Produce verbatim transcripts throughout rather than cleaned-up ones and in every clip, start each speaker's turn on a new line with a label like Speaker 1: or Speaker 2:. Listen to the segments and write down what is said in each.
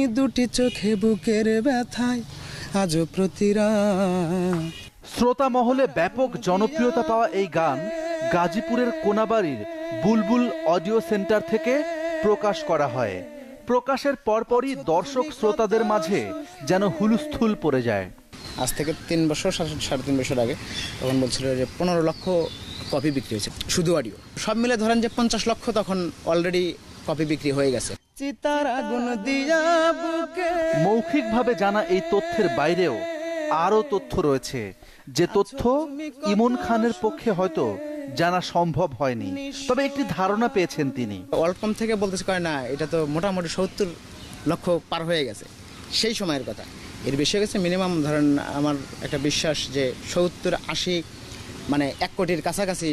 Speaker 1: দুটি চোখে বুকের ব্যথায় আজও প্রতিরাত।
Speaker 2: শ্রোতা মহলে ব্যাপক জনপ্রিয়তা পাওয়া এই গান গাজীপুরের কোনাবাড়ির বুলবুল অডিও সেন্টার থেকে প্রকাশ করা হয়। প্রকাশের পরপরই দর্শক শ্রোতাদের মাঝে যেন হুলস্থুল পড়ে যায়।
Speaker 1: আজ থেকে তিন বছর সাড়ে তিন বছর আগে তখন বলছিল যে পনেরো লক্ষ কপি বিক্রি হয়েছে শুধু অডিও, সব মিলে ধরেন যে পঞ্চাশ লক্ষ তখন অলরেডি কপি বিক্রি হয়ে গেছে। চিতার আগুন দিয়া বুকে।
Speaker 2: মৌখিকভাবে জানা এই তথ্যের বাইরেও আরও তথ্য রয়েছে, যে তথ্য ইমন খানের পক্ষে হয়তো জানা সম্ভব হয়নি, তবে একটি ধারণা পেয়েছেন তিনি।
Speaker 1: ওয়ালকম থেকে বলতেছে কয় না, এটা তো মোটামুটি সত্তর লক্ষ পার হয়ে গেছে সেই সময়ের কথা। এর বেশি হয়ে গেছে মিনিমাম ধরেন আমার একটা বিশ্বাস যে সত্তর আশি মানে এক কোটির কাছাকাছি।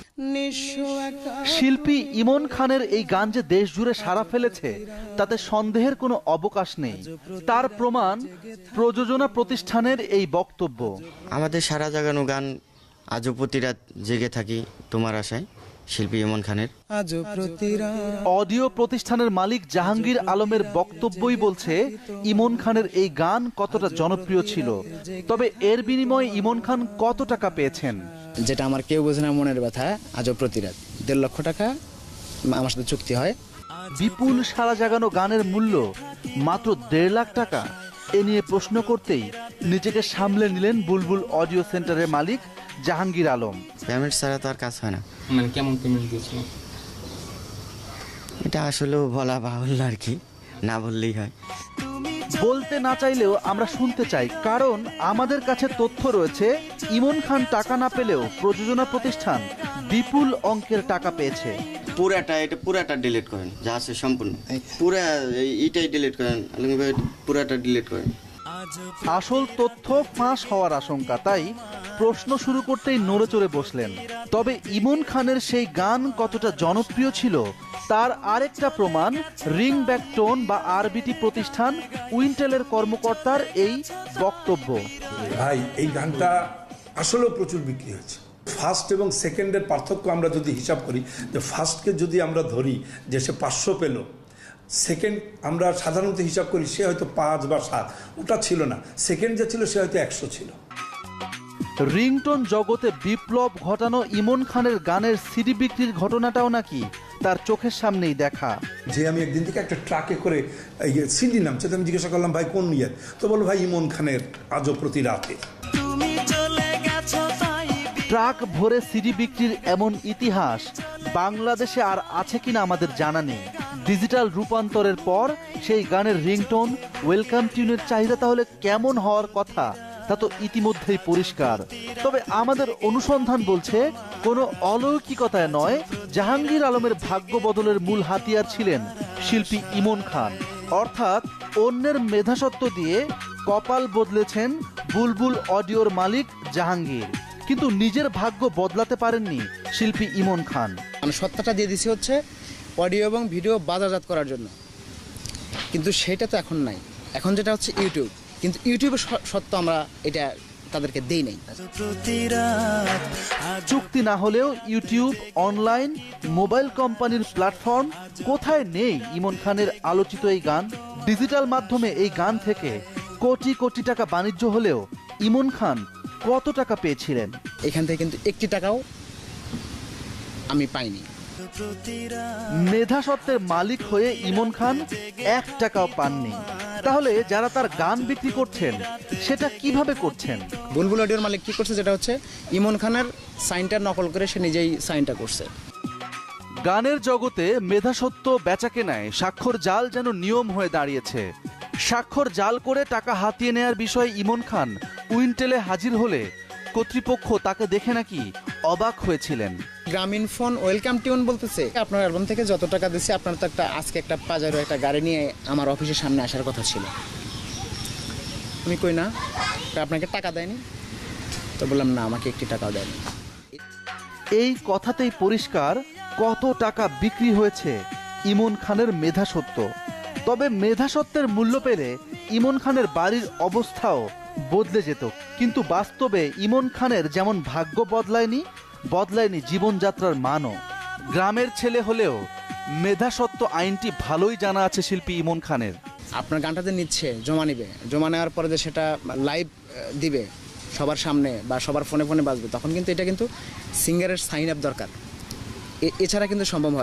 Speaker 2: শিল্পী ইমন খানের এই গান যে দেশ জুড়ে সাড়া ফেলেছে তাতে সন্দেহের কোনো অবকাশ নেই। তার প্রমাণ প্রযোজনা প্রতিষ্ঠানের এই বক্তব্য।
Speaker 3: আমাদের সারা জাগানো গান আজও প্রতিরাত জেগে থাকি তোমার আশায়, শিল্পী ইমন খানের।
Speaker 2: অডিও প্রতিষ্ঠানের মালিক জাহাঙ্গীর আলমের বক্তব্যই বলছে ইমন খানের এই গান কতটা জনপ্রিয় ছিল। তবে এর বিনিময়ে ইমন খান কত টাকা পেয়েছেন?
Speaker 1: যেটা আমার কেউ বোঝে না মনের ব্যথা, আজও প্রতিরাত দেড় লক্ষ টাকা আমার সাথে চুক্তি হয়।
Speaker 2: বিপুল সারা জাগানো গানের মূল্য মাত্র দেড় লাখ টাকা। এ নিয়ে প্রশ্ন করতেই নিজেকে সামলে নিলেন বুলবুল অডিও সেন্টারের মালিক জাহাঙ্গীর আলম।
Speaker 3: পেমেন্ট ছাড়া তো আর কাজ হয় না।
Speaker 4: মানে কেমন পেমেন্ট দিয়েছিল?
Speaker 3: এটা আসলেও বলা বাহুল্য আর কি, না বললেই হয়।
Speaker 2: বলতে না চাইলেও আমরা শুনতে চাই, কারণ আমাদের কাছে তথ্য রয়েছে ইমন খান টাকা না পেলেও প্রযোজনা প্রতিষ্ঠান বিপুল অঙ্কের টাকা পেয়েছে।
Speaker 3: পুরাটা এটা পুরাটা ডিলিট করেন, যা আছে সম্পূর্ণ পুরা এটাই ডিলিট করেন, পুরাটা ডিলিট করেন।
Speaker 2: আসল তথ্য ফাঁস হওয়ার আশঙ্কা, তাই প্রশ্ন শুরু করতেই নড়ে চড়ে বসলেন। তবে ইমন খানের সেই গান কতটা জনপ্রিয় ছিল তার আরেকটা প্রমাণ রিং ব্যাক টোন বা আরবিটি প্রতিষ্ঠান উইন্টেলের কর্মকর্তার এই বক্তব্য।
Speaker 5: ভাই এই গানটা আসলেও প্রচুর বিক্রি হয়েছে। ফার্স্ট এবং সেকেন্ডের পার্থক্য আমরা যদি হিসাব করি, যে ফার্স্টকে যদি আমরা ধরি যে সে পাঁচশো পেল, সেকেন্ড আমরা সাধারণত হিসাব করি সে হয়তো পাঁচ বা সাত, ওটা ছিল না। সেকেন্ড যে ছিল সে হয়তো একশো ছিল।
Speaker 2: রিংটোন জগতে বিপ্লব ঘটানো ইমন খানের গানের সিডি বিক্রির ঘটনাটাও নাকি তার চোখের সামনেই দেখা।
Speaker 5: যে আমি একদিন থেকে একটা ট্রাকে করে সিডি নামছে, আমি জিজ্ঞাসা করলাম ভাই কোন ইয়ে, তো বলো ভাই ইমন খানের আজও প্রতি রাতে।
Speaker 2: ট্রাক ভরে সিডি বিক্রির এমন ইতিহাস বাংলাদেশে আর আছে কিনা আমাদের জানা নেই। ডিজিটাল রূপান্তরের পর সেই গানের রিংটোন ওয়েলকাম টিউনের চাহিদা তাহলে কেমন হওয়ার কথা তা তো ইতিমধ্যেই পরিষ্কার। তবে আমাদের অনুসন্ধান বলছে কোনো অলৌকিকতায় নয়, জাহাঙ্গীর আলমের ভাগ্য বদলের মূল হাতিয়ার ছিলেন শিল্পী ইমন খান। অর্থাৎ অন্যের মেধাসত্ব দিয়ে কপাল বদলেছেন বুলবুল অডিওর মালিক জাহাঙ্গীর, কিন্তু নিজের ভাগ্য বদলাতে পারেননি শিল্পী ইমন খান।
Speaker 1: আমি সত্তাটা দিয়ে দিছি হচ্ছে অডিও এবং ভিডিও বাজারজাত করার জন্য, কিন্তু সেটা তো এখন নাই। এখন যেটা হচ্ছে ইউটিউব, কিন্তু ইউটিউবের সত্য আমরা এটা তাদেরকে দেই নাই।
Speaker 2: চুক্তি না হলেও ইউটিউব, অনলাইন, মোবাইল কোম্পানির প্ল্যাটফর্ম, কোথায় নেই ইমন খানের আলোচিত এই গান? ডিজিটাল মাধ্যমে এই গান থেকে কোটি কোটি টাকা বাণিজ্য হলেও ইমন খান কত টাকা পেয়েছিলেন?
Speaker 1: এখান থেকে কিন্তু একটি টাকাও আমি পাইনি।
Speaker 2: মেধাসত্ত্বের মালিক হয়ে ইমন খান এক টাকাও পাননি। তাহলে যারা তার গান বিক্রি করছেন সেটা কিভাবে করছেন?
Speaker 1: বুলবুল অডিওর মালিক কি করছে, যেটা হচ্ছে ইমন খানের সাইনটা নকল করে সে নিজেই সাইনটা করছে।
Speaker 2: গানের জগতে মেধাসত্ত্ব বেচাকেনায় স্বাক্ষর জাল যেন নিয়ম হয়ে দাঁড়িয়েছে। স্বাক্ষর জাল করে টাকা হাতিয়ে নেয়ার বিষয়ে ইমন খান উইন্টেলে হাজির হলে কর্তৃপক্ষ তাকে দেখে নাকি অবাক হয়েছিলেন।
Speaker 1: গ্রামীণ ফোন ওয়েলকাম টিউন বলতেছে আপনার অ্যালবাম থেকে যত টাকা দিচ্ছে আপনার তো একটা আজকে একটা পাজারো একটা গাড়ি নিয়ে আমার অফিসের সামনে আসার কথা ছিল। আমি কই না, আপনাকে টাকা দেয়নি? তো বললাম না, আমাকে একটি টাকাও দেয়নি।
Speaker 2: এই কথাতেই পরিষ্কার কত টাকা বিক্রি হয়েছে ইমন খানের মেধাসত্ত্ব। তবে মেধাসত্ত্বের মূল্য পেলে ইমন খানের বাড়ির অবস্থাও বদলে যেত, কিন্তু বাস্তবে ইমন খানের যেমন ভাগ্য বদলায়নি, বদলায়নি জীবনযাত্রার মানও। গ্রামের ছেলে হলেও মেধাসত্ত্ব আইনটি ভালোই জানা আছে শিল্পী ইমন খানের।
Speaker 1: আপনার গানটা যে নিচ্ছে জমা নিবে, জমা নেওয়ার পরে যে সেটা লাইভ দিবে সবার সামনে বা সবার ফোনে ফোনে বাজবে, তখন কিন্তু এটা কিন্তু সিঙ্গারের সাইন আপ দরকার, এ- এছাড়া কিন্তু সম্ভব হয়।